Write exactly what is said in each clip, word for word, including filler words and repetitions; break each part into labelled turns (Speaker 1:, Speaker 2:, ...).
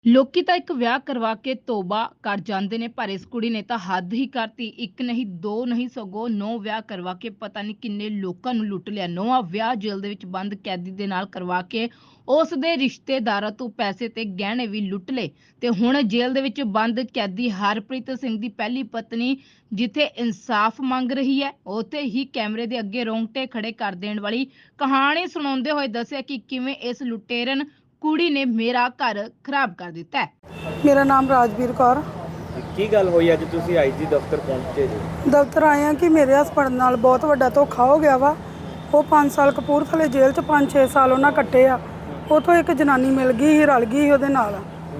Speaker 1: ਲੋਕੀ ਤਾਂ ਇੱਕ ਵਿਆਹ ਕਰਵਾ ਕੇ ਤੋਬਾ ਕਰ ਜਾਂਦੇ ਨੇ, ਪਰ ਇਸ ਕੁੜੀ ਨੇ ਤਾਂ ਹੱਦ ਹੀ ਕਰਤੀ। ਇੱਕ ਨਹੀਂ, ਦੋ ਨਹੀਂ, ਸਗੋਂ ਨੌ ਵਿਆਹ ਕਰਵਾ ਕੇ ਪਤਾ ਨਹੀਂ ਕਿੰਨੇ ਲੋਕਾਂ ਨੂੰ ਲੁੱਟ ਲਿਆ। ਨੌਵਾਂ ਵਿਆਹ ਜੇਲ੍ਹ ਦੇ ਵਿੱਚ ਬੰਦ ਕੈਦੀ ਦੇ ਨਾਲ ਕਰਵਾ ਕੇ ਉਸ ਦੇ ਰਿਸ਼ਤੇਦਾਰਾਂ ਤੋਂ ਪੈਸੇ ਤੇ ਗਹਿਣੇ ਵੀ ਲੁੱਟ ਲਏ। ਤੇ ਹੁਣ ਜੇਲ੍ਹ ਦੇ ਵਿੱਚ ਬੰਦ ਕੈਦੀ ਹਰਪ੍ਰੀਤ ਸਿੰਘ ਦੀ ਪਹਿਲੀ ਪਤਨੀ ਜਿੱਥੇ ਇਨਸਾਫ ਮੰਗ ਰਹੀ ਹੈ, ਉੱਥੇ ਹੀ ਕੈਮਰੇ ਦੇ ਅੱਗੇ ਰੋਂਗਟੇ ਖੜੇ ਕਰ ਦੇਣ ਵਾਲੀ ਕਹਾਣੀ ਸੁਣਾਉਂਦੇ ਹੋਏ ਦੱਸਿਆ ਕਿ ਕਿਵੇਂ ਇਸ ਲੁਟੇਰਨ ਕੁੜੀ ਨੇ ਮੇਰਾ ਘਰ ਖਰਾਬ ਕਰ ਦਿੱਤਾ ਹੈ।
Speaker 2: ਮੇਰਾ ਨਾਮ ਰਾਜਵੀਰ ਕੌਰ।
Speaker 3: ਕੀ ਗੱਲ ਹੋਈ ਅੱਜ ਤੁਸੀਂ ਆਈਜੀ ਦਫ਼ਤਰ ਪਹੁੰਚੇ ਜੀ?
Speaker 2: ਦਫ਼ਤਰ ਆਏ ਆ ਕਿ ਮੇਰੇ ਹਸਬੰਡ ਨਾਲ ਬਹੁਤ ਵੱਡਾ ਧੋਖਾ ਹੋ ਗਿਆ ਵਾ। ਉਹ ਪੰਜ ਸਾਲ ਕਪੂਰਥਲੇ ਜੇਲ੍ਹ 'ਚ ਪੰਜ ਛੇ ਸਾਲ ਉਹਨਾਂ ਕੱਟੇ ਆ। ਉੱਥੋਂ ਇੱਕ ਜਨਾਨੀ ਮਿਲ ਗਈ ਸੀ, ਰਲ ਗਈ ਸੀ ਉਹਦੇ ਨਾਲ,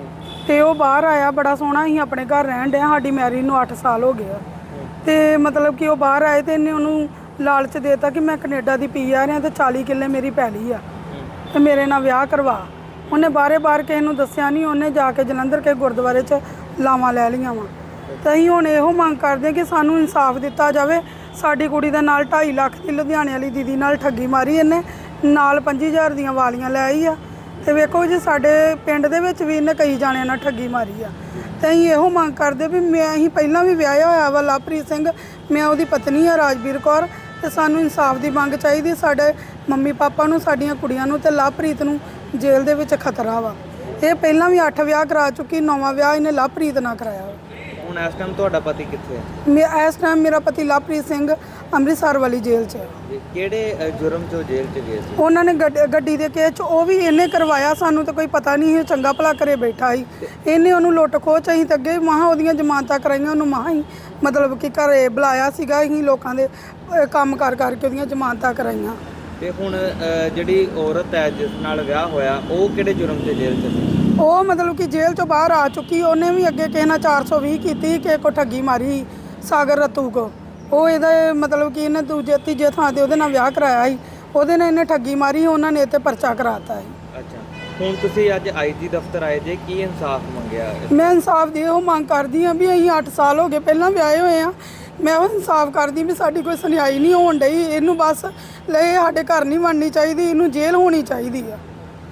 Speaker 2: ਤੇ ਉਹ ਬਾਹਰ ਆਇਆ। ਬੜਾ ਸੋਹਣਾ ਸੀ, ਆਪਣੇ ਘਰ ਰਹਿਣ ਡਿਆ। ਸਾਡੀ ਮੈਰਿਜ ਨੂੰ ਅੱਠ ਸਾਲ ਹੋ ਗਏ ਆ। ਤੇ ਮਤਲਬ ਕਿ ਉਹ ਬਾਹਰ ਆਏ ਤੇ ਇਹਨੇ ਉਹਨੂੰ ਲਾਲਚ ਦੇਤਾ ਕਿ ਮੈਂ ਕੈਨੇਡਾ ਦੀ ਪੀ ਆ ਰਿਹਾ ਤੇ ਚਾਲੀ ਕਿੱਲੇ ਮੇਰੀ ਪੈਲੀ ਆ ਤੇ ਮੇਰੇ ਨਾਲ ਵਿਆਹ ਕਰਵਾ। ਉਹਨੇ ਬਾਰੇ ਬਾਰ ਕਿਸੇ ਨੂੰ ਦੱਸਿਆ ਨਹੀਂ। ਉਹਨੇ ਜਾ ਕੇ ਜਲੰਧਰ ਕੇ ਗੁਰਦੁਆਰੇ 'ਚ ਲਾਵਾਂ ਲੈ ਲਈਆਂ ਵਾ। ਤੇ ਅਸੀਂ ਹੁਣ ਇਹੋ ਮੰਗ ਕਰਦੇ ਹਾਂ ਕਿ ਸਾਨੂੰ ਇਨਸਾਫ ਦਿੱਤਾ ਜਾਵੇ। ਸਾਡੀ ਕੁੜੀ ਦੇ ਨਾਲ ਢਾਈ ਲੱਖ ਦੀ ਲੁਧਿਆਣੇ ਵਾਲੀ ਦੀਦੀ ਨਾਲ ਠੱਗੀ ਮਾਰੀ ਇਹਨੇ, ਨਾਲ ਪੰਜੀ ਹਜ਼ਾਰ ਦੀਆਂ ਵਾਲੀਆਂ ਲੈ ਆਈ ਆ। ਤੇ ਵੇਖੋ ਜੀ, ਸਾਡੇ ਪਿੰਡ ਦੇ ਵਿੱਚ ਵੀ ਇਹਨੇ ਕਈ ਜਾਣਿਆਂ ਨਾਲ ਠੱਗੀ ਮਾਰੀ ਆ। ਤੇ ਅਸੀਂ ਇਹੋ ਮੰਗ ਕਰਦੇ ਵੀ ਮੈਂ ਅਸੀਂ ਪਹਿਲਾਂ ਵੀ ਵਿਆਹਿਆ ਹੋਇਆ ਵਾ ਲਵਪ੍ਰੀਤ ਸਿੰਘ, ਮੈਂ ਉਹਦੀ ਪਤਨੀ ਆ ਰਾਜਵੀਰ ਕੌਰ। ਤੇ ਸਾਨੂੰ ਇਨਸਾਫ ਦੀ ਮੰਗ ਚਾਹੀਦੀ। ਸਾਡੇ ਮੰਮੀ ਪਾਪਾ ਨੂੰ, ਸਾਡੀਆਂ ਕੁੜੀਆਂ ਨੂੰ ਤੇ ਲਵਪ੍ਰੀਤ ਨੂੰ ਜੇਲ੍ਹ ਦੇ ਵਿੱਚ ਖਤਰਾ ਵਾ। ਇਹ ਪਹਿਲਾਂ ਵੀ ਅੱਠ ਵਿਆਹ ਕਰਾ ਚੁੱਕੀ, ਨੌਵਾਂ ਵਿਆਹ ਇਹਨੇ ਲਵਪ੍ਰੀਤ ਨਾਲ ਕਰਾਇਆ ਵਾ।
Speaker 3: ਹੁਣ ਇਸ ਟਾਈਮ ਤੁਹਾਡਾ ਪਤੀ ਕਿੱਥੇ ਹੈ?
Speaker 2: ਮੈਂ ਇਸ ਟਾਈਮ ਮੇਰਾ ਪਤੀ ਲਵਪ੍ਰੀਤ ਸਿੰਘ ਅੰਮ੍ਰਿਤਸਰ ਵਾਲੀ ਜੇਲ੍ਹ 'ਚ ਹੈ।
Speaker 3: ਕਿਹੜੇ ਅ, ਜੁਰਮ 'ਚੋਂ ਜੇਲ੍ਹ 'ਚ ਗਏ ਸੀ?
Speaker 2: ਉਹਨਾਂ ਨੇ ਗੱਡ- ਗੱਡੀ ਦੇ ਕੇਸ 'ਚ ਉਹ ਵੀ ਇਹਨੇ ਕਰਵਾਇਆ। ਸਾਨੂੰ ਤਾਂ ਕੋਈ ਪਤਾ ਨਹੀਂ ਸੀ, ਚੰਗਾ ਭਲਾ ਘਰੇ ਬੈਠਾ ਸੀ। ਇਹਨੇ ਉਹਨੂੰ ਲੁੱਟ ਖੋਹ ਚ ਅਸੀਂ ਤਾਂ ਅੱਗੇ ਮਹਾਂ ਉਹਦੀਆਂ ਜ਼ਮਾਨਤਾਂ ਕਰਾਈਆਂ। ਉਹਨੂੰ ਮਹਾਂ ਹੀ ਮਤਲਬ ਕਿ ਘਰੇ ਬੁਲਾਇਆ ਸੀਗਾ। ਅਸੀਂ ਲੋਕਾਂ ਦੇ ਅ, ਕੰਮ ਕਰ ਕਰਕੇ ਉਹਦੀਆਂ ਜ਼ਮਾਨਤਾਂ ਕਰਾਈਆਂ।
Speaker 3: ਤੇ ਹੁਣ ਅ, ਜਿਹੜੀ ਔਰਤ ਹੈ ਜਿਸ ਨਾਲ ਵਿਆਹ ਹੋਇਆ, ਉਹ ਕਿਹੜੇ ਜੁਰਮ 'ਚ ਜੇਲ੍ਹ 'ਚ ਸੀ?
Speaker 2: ਉਹ ਮਤਲਬ ਕਿ ਜੇਲ੍ਹ 'ਚੋਂ ਬਾਹਰ ਆ ਚੁੱਕੀ। ਉਹਨੇ ਵੀ ਅੱਗੇ ਕਿਸੇ ਨਾਲ ਚਾਰ ਸੌ ਵੀਹ ਕੀਤੀ, ਕਿਸੇ ਕੋ ਠੱਗੀ ਮਾਰੀ, ਸਾਗਰ ਰਤੂ ਕੋ। ਉਹ ਇਹਦਾ ਮਤਲਬ ਕਿ ਇਹਨੇ ਦੂਜੇ ਤੀਜੇ ਥਾਂ 'ਤੇ ਉਹਦੇ ਨਾਲ ਵਿਆਹ ਕਰਾਇਆ ਸੀ। ਉਹਦੇ ਨਾਲ ਇਹਨੇ ਠੱਗੀ ਮਾਰੀ, ਉਹਨਾਂ ਨੇ ਇਹ 'ਤੇ ਪਰਚਾ ਕਰਾਤਾ ਸੀ।
Speaker 3: ਅੱਛਾ, ਹੁਣ ਤੁਸੀਂ ਅੱਜ ਆਈਜੀ ਦਫ਼ਤਰ ਆਏ ਜੇ, ਕੀ ਇਨਸਾਫ ਮੰਗਿਆ?
Speaker 2: ਮੈਂ ਇਨਸਾਫ ਦੀ ਉਹ ਮੰਗ ਕਰਦੀ ਹਾਂ ਵੀ ਅਸੀਂ ਅੱਠ ਸਾਲ ਹੋ ਗਏ ਪਹਿਲਾਂ ਵਿਆਹੇ ਹੋਏ ਆ। ਮੈਂ ਉਹ ਇਨਸਾਫ ਕਰਦੀ ਵੀ ਸਾਡੀ ਕੋਈ ਸੁਣਾਈ ਨਹੀਂ ਹੋਣ ਡਈ। ਇਹਨੂੰ ਬਸ ਲੈ ਸਾਡੇ ਘਰ ਨਹੀਂ ਬਣਨੀ ਚਾਹੀਦੀ, ਇਹਨੂੰ ਜੇਲ੍ਹ ਹੋਣੀ ਚਾਹੀਦੀ ਆ।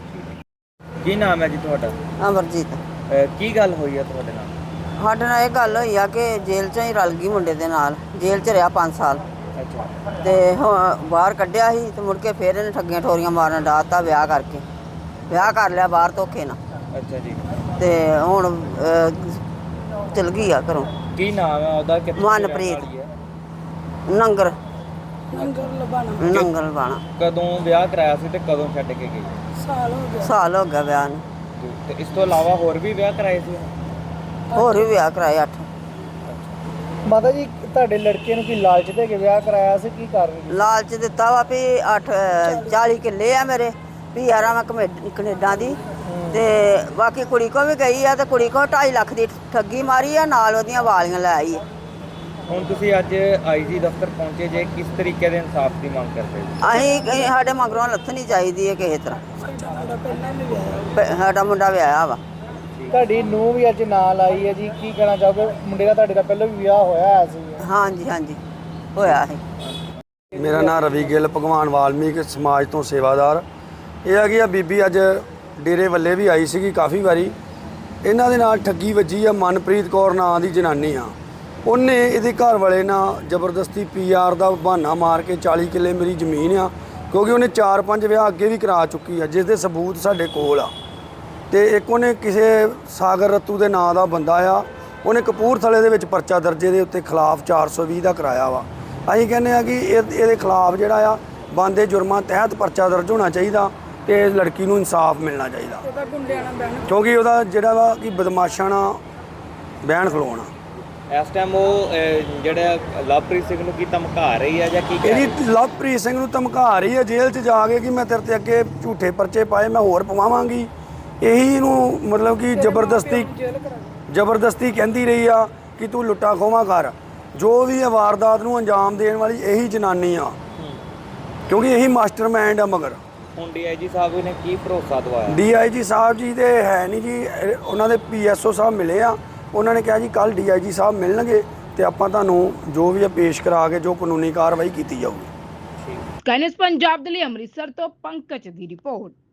Speaker 3: ਕੀ ਨਾਮ ਹੈ ਜੀ ਤੁਹਾਡਾ?
Speaker 4: ਅਮਰਜੀਤ।
Speaker 3: ਅ, ਕੀ ਗੱਲ ਹੋਈ ਹੈ ਤੁਹਾਡੇ ਨਾਲ?
Speaker 4: ਸਾਡੇ ਨਾਲ ਇਹ ਗੱਲ ਹੋਈ ਆ ਕਿ ਜੇਲ੍ਹ 'ਚੋਂ ਹੀ ਰਲ ਗਈ ਮੁੰਡੇ ਦੇ ਨਾਲ। ਜੇਲ੍ਹ 'ਚ ਰਿਹਾ ਪੰਜ ਸਾਲ
Speaker 3: ਅੱਛਾ।
Speaker 4: ਤੇ ਹੁਣ ਬਾਹਰ ਕੱਢਿਆ ਸੀ ਤੇ ਮੁੜ ਕੇ ਫਿਰ ਇਹਨੇ ਠੱਗੀਆਂ ਠੋਰੀਆਂ ਮਾਰਨ ਡਾਤਾ ਵਿਆਹ ਕਰਕੇ। ਵਿਆਹ ਕਰ ਲਿਆ ਬਾਹਰ ਧੋਖੇ ਨਾਲ।
Speaker 3: ਅੱਛਾ ਜੀ।
Speaker 4: ਤੇ ਹੁਣ ਅਹ, ਚਲ ਗਈ ਆ ਘਰੋਂ।
Speaker 3: ਕੀ ਨਾਮ ਹੈ ਉਹਦਾ? ਕਿੱਥੇ ਰਹਿਣ
Speaker 4: ਮਨਪ੍ਰੀਤ।
Speaker 3: ਵਾਲੀ ਹੈ?
Speaker 4: ਨੰਗਰ
Speaker 2: ਲੰਗਰ ਲਬਾਣਾ
Speaker 4: ਨੰਗਲ ਬਾਣਾ।
Speaker 3: ਕਦੋਂ ਵਿਆਹ ਕਰਾਇਆ ਸੀ ਤੇ ਕਦੋਂ ਛੱਡ ਕੇ ਗਈ?
Speaker 2: ਸਾਲ ਹੋ ਗਿਆ।
Speaker 4: ਸਾਲ ਹੋ ਗਿਆ ਵਿਆਹ ਨੂੰ।
Speaker 3: ਤੇ ਇਸ ਤੋਂ ਇਲਾਵਾ ਹੋਰ ਵੀ ਵਿਆਹ ਕਰਾਏ ਸੀ?
Speaker 4: ਹੋਰ ਵੀ ਵਿਆਹ ਕਰਾਏ ਅੱਠ।
Speaker 5: ਮਾਤਾ ਜੀ, ਤੁਹਾਡੇ ਲੜਕੇ ਨੂੰ ਕੀ ਲਾਲਚ ਦੇ ਕੇ ਵਿਆਹ ਕਰਾਇਆ ਸੀ? ਕੀ ਕਾਰਨ?
Speaker 4: ਲਾਲਚ ਦਿੱਤਾ ਵਾ ਵੀ ਅੱਠ ਚਾਲੀ ਕਿੱਲੇ ਆ ਮੇਰੇ, ਵੀ ਆ ਮੈਂ ਕਮੇ- ਕੈਨੇਡਾ ਦੀ। ਤੇ ਬਾਕੀ ਕੁੜੀ ਕੋ ਵੀ ਗਈ ਆ ਤੇ ਕੁੜੀ ਕੋ ਢਾਈ ਲੱਖ ਦੀ ਠੱਗੀ ਮਾਰੀ ਆ, ਨਾਲ ਉਹਦੀਆਂ ਵਾਲੀਆਂ ਲੈ ਆਈ ਆ।
Speaker 3: ਹੁਣ ਤੁਸੀਂ ਅੱਜ ਆਈਜੀ ਦਫ਼ਤਰ ਪਹੁੰਚੇ ਜੇ, ਕਿਸ ਤਰੀਕੇ ਦੇ ਇਨਸਾਫ ਦੀ ਮੰਗ ਕਰਦੇ ਹੋ?
Speaker 4: ਅਸੀਂ ਅਸੀਂ- ਸਾਡੇ ਮਗਰੋਂ ਲੱਥਣੀ ਚਾਹੀਦੀ ਹੈ ਕਿਸੇ ਤਰ੍ਹਾਂ। ਪ- ਸਾਡਾ ਮੁੰਡਾ ਵਿਆਹਿਆ ਵਾ।
Speaker 5: ਤੁਹਾਡੀ ਨੂੰਹ ਵੀ ਅੱਜ ਨਾਲ ਆਈ ਹੈ ਜੀ, ਕੀ ਕਹਿਣਾ ਚਾਹੋਗੇ? ਮੁੰਡੇ ਦਾ ਤੁਹਾਡੇ ਦਾ ਪਹਿਲਾਂ ਵੀ ਵਿਆਹ ਹੋਇਆ ਹੋਇਆ ਸੀ।
Speaker 4: ਹਾਂਜੀ ਹਾਂਜੀ ਹੋਇਆ ਸੀ।
Speaker 6: ਮੇਰਾ ਨਾਮ ਰਵੀ ਗਿੱਲ, ਭਗਵਾਨ ਵਾਲਮੀਕ ਸਮਾਜ ਤੋਂ ਸੇਵਾਦਾਰ। ਇਹ ਹੈਗੀ ਆ ਬੀਬੀ ਅੱਜ ਡੇਰੇ ਵੱਲੇ ਵੀ ਆਈ ਸੀਗੀ ਕਾਫੀ ਵਾਰੀ। ਇਹਨਾਂ ਦੇ ਨਾਲ ਠੱਗੀ ਵੱਜੀ ਆ। ਮਨਪ੍ਰੀਤ ਕੌਰ ਨਾਂ ਦੀ ਜਨਾਨੀ ਆ। ਉਹਨੇ ਇਹਦੇ ਘਰ ਵਾਲੇ ਨਾਲ ਜ਼ਬਰਦਸਤੀ ਪੀ ਆਰ ਦਾ ਬਹਾਨਾ ਮਾਰ ਕੇ ਚਾਲੀ ਕਿੱਲੇ ਮੇਰੀ ਜ਼ਮੀਨ ਆ, ਕਿਉਂਕਿ ਉਹਨੇ ਚਾਰ ਪੰਜ ਵਿਆਹ ਅੱਗੇ ਵੀ ਕਰਾ ਚੁੱਕੀ ਆ, ਜਿਸ ਦੇ ਸਬੂਤ ਸਾਡੇ ਕੋਲ ਆ। ਤੇ ਇੱਕ ਉਹਨੇ ਕਿਸੇ ਸਾਗਰ ਰਤੂ ਦੇ ਨਾਂ ਦਾ ਬੰਦਾ ਆ, ਉਹਨੇ ਕਪੂਰਥਲੇ ਦੇ ਵਿੱਚ ਪਰਚਾ ਦਰਜੇ ਦੇ ਉੱਤੇ ਖਿਲਾਫ ਚਾਰ ਸੌ ਵੀਹ ਦਾ ਕਰਾਇਆ ਵਾ। ਅਸੀਂ ਕਹਿੰਦੇ ਆ ਕਿ ਇਹ ਇਹਦੇ ਖਿਲਾਫ ਜਿਹੜਾ ਆ ਬੰਦੇ ਜੁਰਮਾਂ ਤਹਿਤ ਪਰਚਾ ਦਰਜ ਹੋਣਾ ਚਾਹੀਦਾ ਤੇ ਇਸ ਲੜਕੀ ਨੂੰ ਇਨਸਾਫ ਮਿਲਣਾ ਚਾਹੀਦਾ, ਕਿਉਂਕਿ ਉਹਦਾ ਜਿਹੜਾ ਵਾ ਕਿ ਬਦਮਾਸ਼ਾਂ ਨਾਲ ਬਹਿਣ ਖਲੋਣਾ।
Speaker 3: ਇਸ ਟਾਈਮ ਉਹ ਅ, ਜਿਹੜਾ ਲਵਪ੍ਰੀਤ ਸਿੰਘ ਨੂੰ ਕੀ ਧਮਕਾ ਰਹੀ ਹੈ ਜਾਂ ਕੀ ਕਹਿ ਰਹੀ ਹੈ?
Speaker 6: ਇਹਦੀ ਲਵਪ੍ਰੀਤ ਸਿੰਘ ਨੂੰ ਧਮਕਾ ਰਹੀ ਹੈ ਜੇਲ੍ਹ 'ਚ ਜਾ ਕੇ ਕਿ ਮੈਂ ਤੇਰੇ ਤੇ ਅੱਗੇ ਝੂਠੇ ਪਰਚੇ ਪਾਏ, ਮੈਂ ਹੋਰ ਪਵਾਵਾਂਗੀ। ਇਹੀ ਇਹਨੂੰ ਮਤਲਬ ਕਿ ਜ਼ਬਰਦਸਤੀ ਜ਼ਬਰਦਸਤੀ ਕਹਿੰਦੀ ਰਹੀ ਆ ਕਿ ਤੂੰ ਲੁੱਟਾ ਖੋਹਾਂ ਕਰ। ਜੋ ਵੀ ਇਹ ਵਾਰਦਾਤ ਨੂੰ ਅੰਜਾਮ ਦੇਣ ਵਾਲੀ ਇਹੀ ਜਨਾਨੀ ਆ, ਕਿਉਂਕਿ ਇਹੀ ਮਾਸਟਰਮਾਈਂਡ ਆ। ਮਗਰ
Speaker 3: ਹੁਣ ਡੀਆਈਜੀ ਸਾਹਿਬ ਨੇ ਕੀ ਭਰੋਸਾ ਦਵਾਇਆ?
Speaker 6: ਡੀਆਈਜੀ ਸਾਹਿਬ ਜੀ ਤੇ ਹੈ ਨਹੀਂ ਜੀ, ਉਹਨਾਂ ਦੇ ਪੀਐਸਓ ਸਾਹਿਬ ਮਿਲੇ ਆ। ਉਹਨਾਂ ਨੇ ਕਿਹਾ ਜੀ ਕੱਲ੍ਹ ਡੀਆਈਜੀ ਸਾਹਿਬ ਮਿਲਣਗੇ ਤੇ ਆਪਾਂ ਤੁਹਾਨੂੰ ਜੋ ਵੀ ਆ ਪੇਸ਼ ਕਰਾ ਕੇ ਜੋ ਕਾਨੂੰਨੀ ਕਾਰਵਾਈ ਕੀਤੀ ਜਾਊਗੀ।
Speaker 1: ਕਾਇਨਸ ਪੰਜਾਬ ਦੇ ਲਈ ਅੰਮ੍ਰਿਤਸਰ ਤੋਂ ਪੰਕਜ ਦੀ ਰਿਪੋਰਟ।